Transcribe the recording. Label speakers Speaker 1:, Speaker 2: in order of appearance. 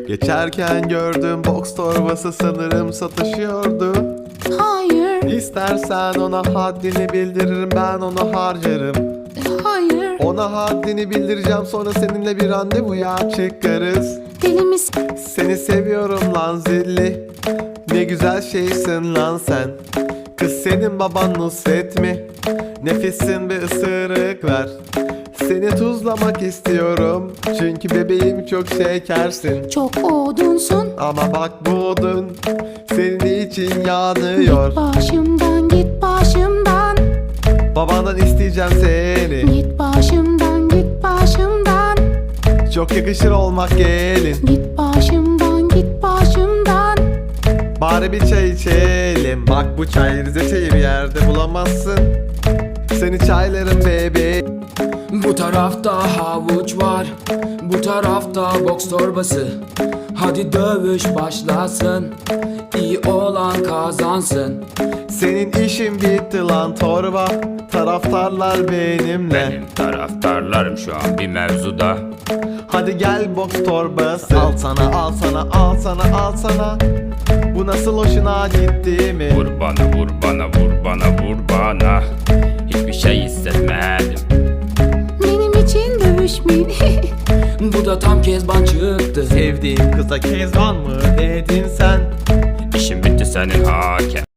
Speaker 1: Geçerken gördüm, boks torbası sanırım satışıyordu.
Speaker 2: Hayır,
Speaker 1: İstersen ona haddini bildiririm, ben onu harcarım.
Speaker 2: hayır.
Speaker 1: Ona haddini bildireceğim, sonra seninle bir randevuya çıkarız.
Speaker 2: Deli misin?
Speaker 1: Seni seviyorum lan zilli. Ne güzel şeysin lan sen. Kız senin baban Nusret mi? Nefissin, bir ısırık ver. Seni tuzlamak istiyorum, çünkü bebeğim çok şekersin.
Speaker 2: Çok odunsun.
Speaker 1: Ama bak bu odun senin için yanıyor.
Speaker 2: Git başımdan, git başımdan.
Speaker 1: Babandan isteyeceğim seni.
Speaker 2: Git başımdan, git başımdan.
Speaker 1: Çok yakışır olmak gelin.
Speaker 2: Git başımdan, git başımdan.
Speaker 1: Bari bir çay içelim. Bak bu çay Rize çayı, bir yerde bulamazsın. Seni çaylarım bebeğim.
Speaker 3: Bu tarafta havuç var, bu tarafta boks torbası. Hadi dövüş başlasın, iyi olan kazansın.
Speaker 1: Senin işin bitti lan torba. Taraftarlar benimle.
Speaker 4: Benim taraftarlarım şu an bir mevzuda.
Speaker 1: Hadi gel boks torbası. Al sana, al sana, al sana, al sana. Bu nasıl hoşuna gitti mi?
Speaker 4: Vur bana, vur bana, vur bana, vur bana. Hiçbir şey hissetmedim.
Speaker 2: Benim için dövüşmeyin.
Speaker 3: Bu da tam Kezban çıktı.
Speaker 1: Sevdiğim kıza Kezban mı dedin sen?
Speaker 4: İşim bitti senin hakem.